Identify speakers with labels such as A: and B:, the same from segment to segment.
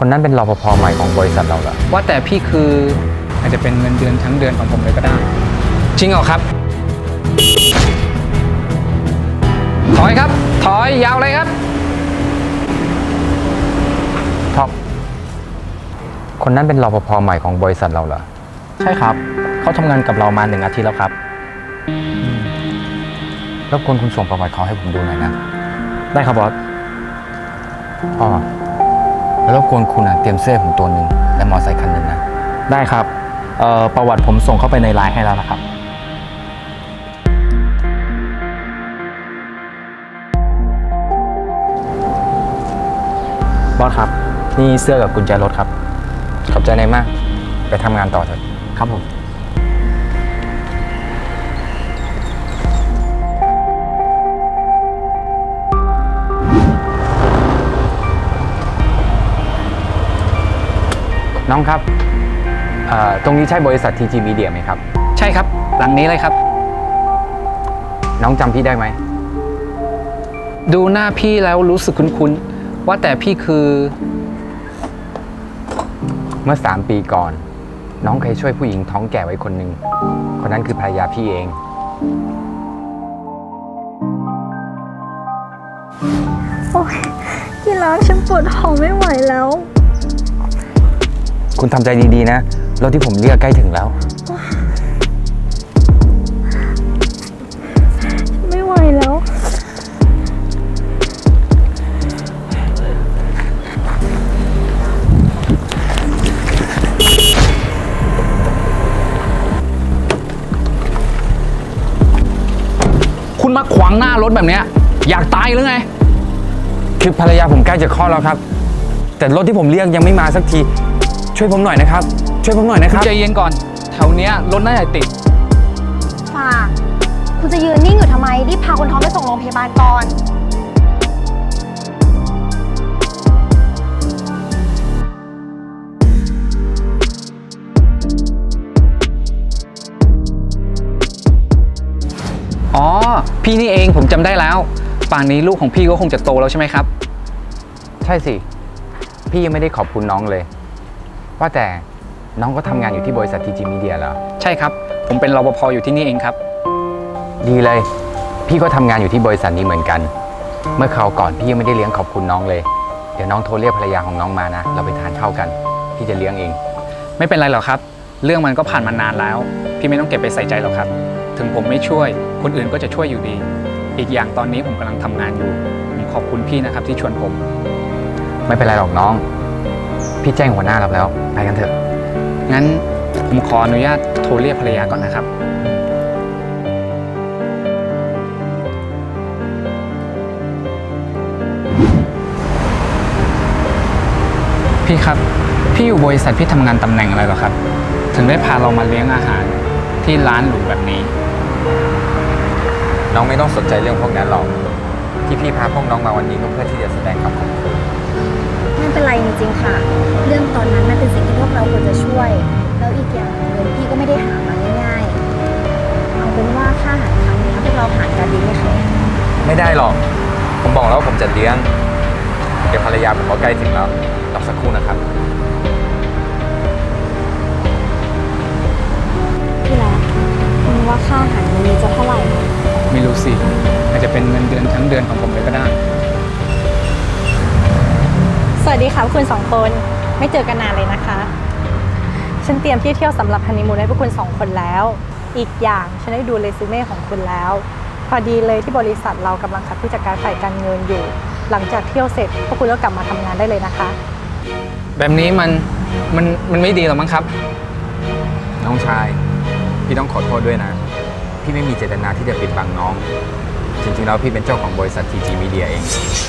A: คนนั้นเป็นรปภใหม่ของบริษัทเราเหรอ
B: ว่าแต่พี่คืออาจจะเป็นเงินเดือนทั้งเดือนของผมเลยก็ได้จริงเหรอครับถอยครับถอยยาวเลยครับ
A: ท็อปคนนั้นเป็นรปภใหม่ของบริษัทเราเหรอ
C: ใช่ครับเขาทำงานกับเรามา1 อาทิตย์แล้วครับ
A: รบกวนคุณส่งประวัติเขาให้ผมดูหน่อยนะ
C: ได้ครับบอส
A: พ่อแล้วรบกวนคุณเตรียมเสื้อผมตัวหนึ่งและมอเตอร์ไซค์คันหนึ่งนะ
C: ได้ครับประวัติผมส่งเข้าไปในไลน์ให้แล้วนะครับบอสครับนี่เสื้อกับกุญแจรถครับ
A: ขอบใจนายมากไปทำงานต่อเถอะ
C: ครับผม
A: น้องครับตรงนี้ใช่บริษัท TG Media ไหมครับ
B: ใช่ครับหลังนี้เลยครับ
A: น้องจำพี่ได้ไหม
B: ดูหน้าพี่แล้วรู้สึกคุ้นๆว่าแต่พี่คือ
A: เมื่อ3 ปีก่อน น้องเคยช่วยผู้หญิงท้องแก่ไว้คนหนึ่งคนนั้นคือภรรยาพี่เอง
D: โอ๊ยที่รักฉันปวดท้องไม่ไหวแล้ว
A: คุณทำใจดีๆนะรถที่ผมเรียกใกล้ถึงแล้ว
D: ไม่ไหวแล้ว
B: คุณมาขวางหน้ารถแบบเนี้ยอยากตายหรือไง
A: คือภรรยาผมใกล้จะคลอดแล้วครับแต่รถที่ผมเรียกยังไม่มาสักทีช่วยผมหน่อยนะครับช่วยผมหน่อยนะครับ
B: ใจเย็นก่อนแถวเนี้ยรถน่าจะติด
D: ฝ่าคุณจะยืนนิ่งอยู่ทำไมรีบพาคนท้องไปส่งโรงพยาบาลก่อน
B: อ๋อพี่นี่เองผมจำได้แล้วป่านนี้ลูกของพี่ก็คงจะโตแล้วใช่ไหมครับ
A: ใช่สิพี่ยังไม่ได้ขอบคุณน้องเลยว่าแต่น้องก็ทำงานอยู่ที่บริษัท TG Media เหรอ
B: ใช่ครับผมเป็นรปภอยู่ที่นี่เองครับ
A: ดีเลยพี่ก็ทำงานอยู่ที่บริษัทนี้เหมือนกันเมื่อคราวก่อนพี่ยังไม่ได้เลี้ยงขอบคุณน้องเลยเดี๋ยวน้องโทรเรียกภรรยาของน้องมานะเราไปทานข้าวกันพี่จะเลี้ยงเอง
B: ไม่เป็นไรหรอกครับเรื่องมันก็ผ่านมานานแล้วพี่ไม่ต้องเก็บไปใส่ใจหรอกครับถึงผมไม่ช่วยคนอื่นก็จะช่วยอยู่ดีอีกอย่างตอนนี้ผมกำลังทำงานอยู่ผมขอบคุณพี่นะครับที่ชวนผม
A: ไม่เป็นไรหรอกน้องพี่แจ้งหัวหน้าเราแล้วไปกันเถอะ
B: งั้นผมขออนุญาตโทรเรียกภรรยาก่อนนะครับพี่ครับพี่อยู่บริษัทพี่ทำงานตำแหน่งอะไรเหรอครับถึงได้พาเรามาเลี้ยงอาหารที่ร้านหรูแบบนี้
A: น้องไม่ต้องสนใจเรื่องพวกนั้นหรอกที่พี่พาพวกน้องมาวันนี้ก็เพื่อที่จะแสดงความขอบคุณ
D: ไม่เป็นไรจริงๆค่ะเรื่องตอนนั้นมันเป็นสิ่งที่พวกเราควรจะช่วยแล้วอีกอย่างเงินพี่ก็ไม่ได้หามาง่ายๆเอาเป็นว่าค่าอาหารครั้งนี้พวกเราหารกันดีไหมคะ
A: ไม่ได้หรอกผมบอกแล้วว่าผมจะเลี้ยงเดี๋ยวภรรยาผมก็ใกล้ถึงแล้วรอสักครู่นะครับ
D: พี่รักคุณว่าค่าอาหารวันนี้จะเท่าไหร่
B: ไม่รู้สิอาจจะเป็นเงินเดือนทั้งเดือนของผมเลยก็ได้
D: สวัสดีค่ะคุณ2 คนไม่เจอกันนานเลยนะคะฉันเตรียมที่เที่ยวสำหรับฮันนีมูนให้พวกคุณ2 คนแล้วอีกอย่างฉันได้ดูเรซูเม่ของคุณแล้วพอดีเลยที่บริษัทเรากำลังคัดผู้จัดการฝ่ายการเงินอยู่หลังจากเที่ยวเสร็จพวกคุณก็กลับมาทำงานได้เลยนะคะ
B: แบบนี้มันไม่ดีหรอมั้งครับ
A: น้องชายพี่ต้องขอโทษด้วยนะพี่ไม่มีเจตนาที่จะปิดบังน้องจริงๆแล้วพี่เป็นเจ้าของบริษัท TG Media เอง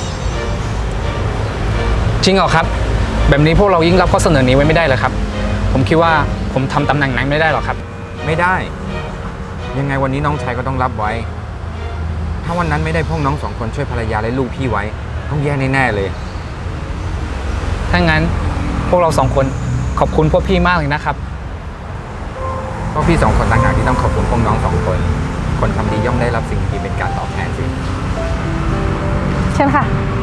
B: จริงเหรอครับแบบนี้พวกเรายิ่งรับข้อเสนอนี้ไว้ไม่ได้เลยครับผมคิดว่าผมทำตำแหน่งนั้นไม่ได้หรอกครับ
A: ไม่ได้ยังไงวันนี้น้องชายก็ต้องรับไว้ถ้าวันนั้นไม่ได้พวกน้อง2 คนช่วยภรรยาและลูกพี่ไว้ต้องแย่แน่ๆเลย
B: ถ้างั้นพวกเรา2 คนขอบคุณพวกพี่มากเลยนะครับ
A: ก็พี่2 คนต่างหากที่ต้องขอบคุณพวกน้อง2 คนคนทำดีย่อมได้รับสิ่งดีเป็นการตอบแทนสิ
D: เชิญค่ะ